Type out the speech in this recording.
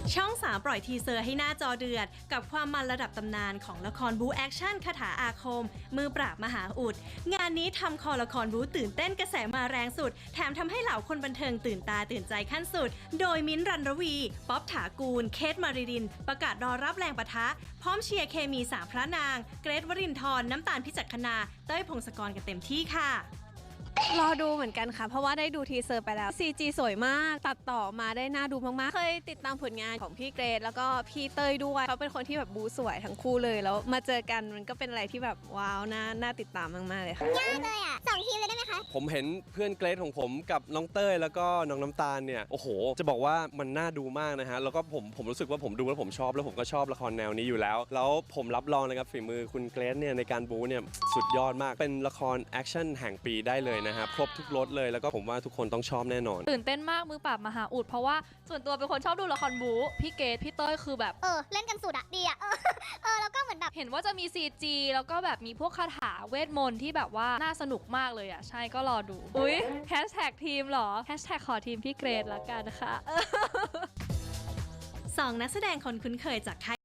ช่อง3ปล่อยทีเซอร์ให้หน้าจอเดือดกับความมันระดับตำนานของละครบู๊แอคชั่นคาถาอาคมมือปราบมหาอุดงานนี้ทำคอละครบู๊ตื่นเต้นกระแสมาแรงสุดแถมทำให้เหล่าคนบันเทิงตื่นตาตื่นใจขั้นสุดโดยมิ้นท์ รันรวี ป๊อบถากูล เคท มาริดินประกาศรอรับแรงปะทะพร้อมเชียร์เคมีสามพระนางเกรท วรินทร์น้ำตาลพิจักขณาเต้ยพงศกรกันเต็มที่ค่ะรอดูเหมือนกันค่ะเพราะว่าได้ดูทีเซอร์ไปแล้ว CG สวยมากตัดต่อมาได้น่าดูมากๆเคยติดตามผลงานของพี่เกรทแล้วก็พี่เต้ยด้วยเขาเป็นคนที่แบบบูสวยทั้งคู่เลยแล้วมาเจอกันมันก็เป็นอะไรที่แบบว้าวน่าติดตามมากๆเลยค่ะยากเลยอ่ะ2 ทีมเลยได้ไหมคะผมเห็นเพื่อนเกรทของผมกับน้องเต้ยแล้วก็น้องน้ำตาลเนี่ยโอ้โหจะบอกว่ามันน่าดูมากนะฮะแล้วก็ผมรู้สึกว่าผมดูแล้วผมชอบแล้วผมก็ชอบละครแนวนี้อยู่แล้วแล้วผมรับรองเลยครับฝีมือคุณเกรทเนี่ยในการบู๊เนี่ยสุดยอดมากเป็นละครแอคชั่นแห่งปีได้เลยนะฮะครบทุกรสเลยแล้วก็ผมว่าทุกคนต้องชอบแน่นอนตื่นเต้นมากมือปราบมหาอุดเพราะว่าส่วนตัวเป็นคนชอบดูละครบู๊พี่เกดพี่เต้ยคือแบบเล่นกันสุดอ่ะดีอ่ะแล้วก็เหมือนแบบเห็นว่าจะมี CG แล้วก็แบบมีพวกคาถาเวทมนต์ที่แบบว่าน่าสนุกมากเลยอ่ะใช่ก็รอดูอุ๊ยแฮชแท็กทีมเหรอแฮชแท็กขอทีมพี่เกรดละกันนะคะ 2 นักแสดงคนคุ้นเคยจากค่าย